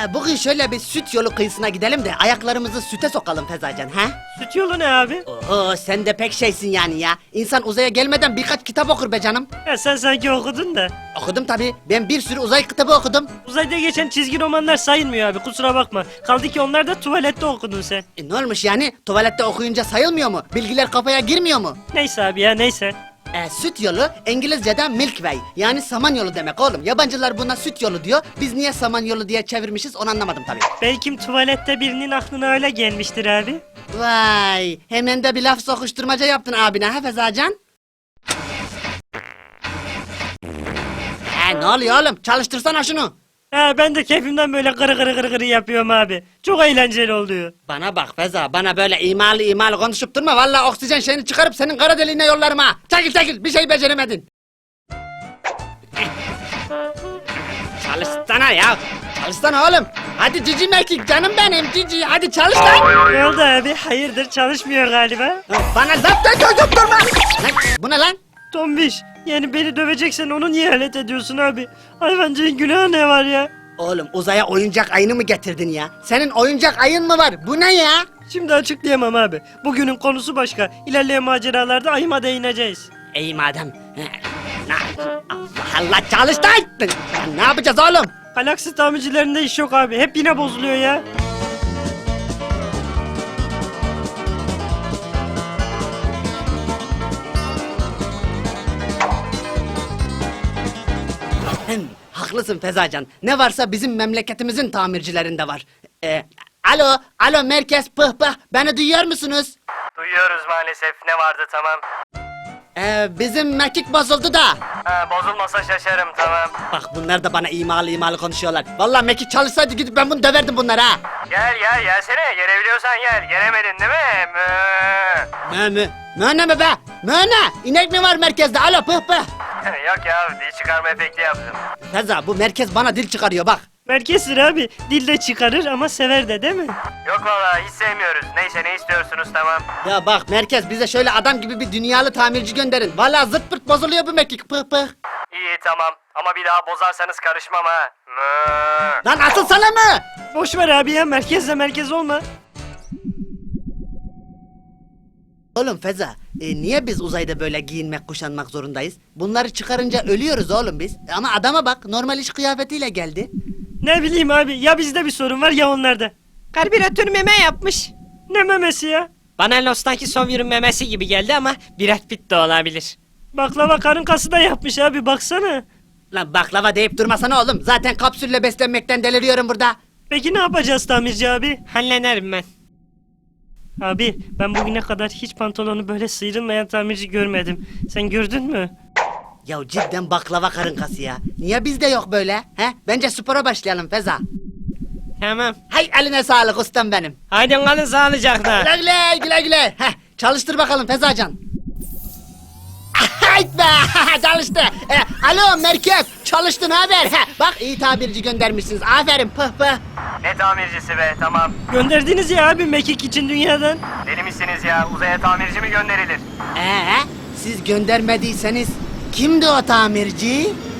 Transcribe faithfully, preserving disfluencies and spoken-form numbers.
Ee, bugün şöyle bir süt yolu kıyısına gidelim de ayaklarımızı süte sokalım Fezacan, ha? Süt yolu ne abi? Oho, sen de pek şeysin yani ya. İnsan uzaya gelmeden birkaç kitap okur be canım. Ya sen sanki okudun da. Okudum tabii. Ben bir sürü uzay kitabı okudum. Uzayda geçen çizgi romanlar sayılmıyor abi, kusura bakma. Kaldı ki onlar da tuvalette okudun sen. E, ne olmuş yani? Tuvalette okuyunca sayılmıyor mu? Bilgiler kafaya girmiyor mu? Neyse abi ya, neyse. E, süt yolu İngilizce'de milk way, yani saman yolu demek oğlum. Yabancılar buna süt yolu diyor. Biz niye saman yolu diye çevirmişiz onu anlamadım tabii. Belki tuvalette birinin aklına öyle gelmiştir abi. Vay, hemen de bir laf sokuşturmaca yaptın abine ha Fezacan? He, ne oluyor oğlum? Çalıştırsana şunu. Ha, ben de keyfimden böyle kırı kırı kırı kırı yapıyorum abi. Çok eğlenceli oluyor. Bana bak Feza, bana böyle imalı imalı konuşup durma. Vallahi oksijen şeyini çıkarıp senin kara deliğine yollarım ha. Çekil çekil, bir şey beceremedin. Çalışsana ya. Çalışsana oğlum. Hadi cici mekik canım benim cici. Hadi çalış lan. Ne oldu abi? Hayırdır, çalışmıyor galiba. Bana zaten gözüm durma. Lan, bu ne lan? Tombiş, yani beni döveceksen onu niye alet ediyorsun abi? Hayvancığın günahı ne var ya? Oğlum uzaya oyuncak ayını mı getirdin ya? Senin oyuncak ayın mı var? Bu ne ya? Şimdi açıklayamam abi. Bugünün konusu başka. İlerleyen maceralarda ayıma değineceğiz. İyi madem. Allah Allah, çalış lan. Ne yapacağız oğlum? Galaksi tamircilerinde iş yok abi. Hep yine bozuluyor ya. Hem, haklısın Fezacan. Ne varsa bizim memleketimizin tamircilerinde var. Ee, alo, alo merkez pıh pıh. Beni duyuyor musunuz? Duyuyoruz maalesef. Ne vardı, tamam. Ee, bizim mekik bozuldu da. Ha, bozulmasa şaşarım, tamam. Bak bunlar da bana imalı imalı konuşuyorlar. Vallahi mekik çalışsaydı gidip ben bunu döverdim bunlara ha. Gel gel gelsene. Gelebiliyorsan gel. Gelemedin değil mi? Mö mü? Mö ne mi be? Mö ne? İnek mi var merkezde? Alo pıh pıh. Yok ya, dil çıkarma efekti yaptım. Feza, bu merkez bana dil çıkarıyor bak. Merkezdir abi. Dilde çıkarır ama sever de, değil mi? Yok valla hiç sevmiyoruz. Neyse, ne istiyorsunuz, tamam. Ya bak merkez, bize şöyle adam gibi bir dünyalı tamirci gönderin. Vallahi zırt pırt bozuluyor bu mekik pıh pıh. İyi tamam ama bir daha bozarsanız karışmam ha. Mıı. Lan asıl sana mı? Boş ver abi ya, merkezle merkez olma. Oğlum Feza, e, niye biz uzayda böyle giyinmek kuşanmak zorundayız? Bunları çıkarınca ölüyoruz oğlum biz. Ama adama bak, normal iş kıyafetiyle geldi. Ne bileyim abi, ya bizde bir sorun var ya onlarda. Karbüratör meme yapmış. Ne memesi ya? Bana Lost'taki Sawyer'ın memesi gibi geldi ama Brad Pitt de olabilir. Baklava karın kası da yapmış abi, baksana. Lan baklava deyip durmasana oğlum. Zaten kapsülle beslenmekten deliriyorum burada. Peki ne yapacağız tamirci abi? Hallederim ben. Abi ben bugüne kadar hiç pantolonu böyle sıyrılmayan tamirci görmedim. Sen gördün mü? Ya cidden baklava karın kası ya. Niye bizde yok böyle? He? Bence spora başlayalım Feza. Tamam. Hay eline sağlık ustam benim. Haydi kalın sağlıcakla. Güle güle güle güle. Heh, çalıştır bakalım Fezacan. Hayt be çalıştı. E, alo merkez, çalıştın haber. He, bak iyi tabirci göndermişsiniz. Aferin pıh pıh. Ne tamircisi be, tamam. Gönderdiniz ya abi mekik için dünyadan. Deli misiniz ya? Uzaya tamirci mi gönderilir? Ee, siz göndermediyseniz kimdi o tamirci?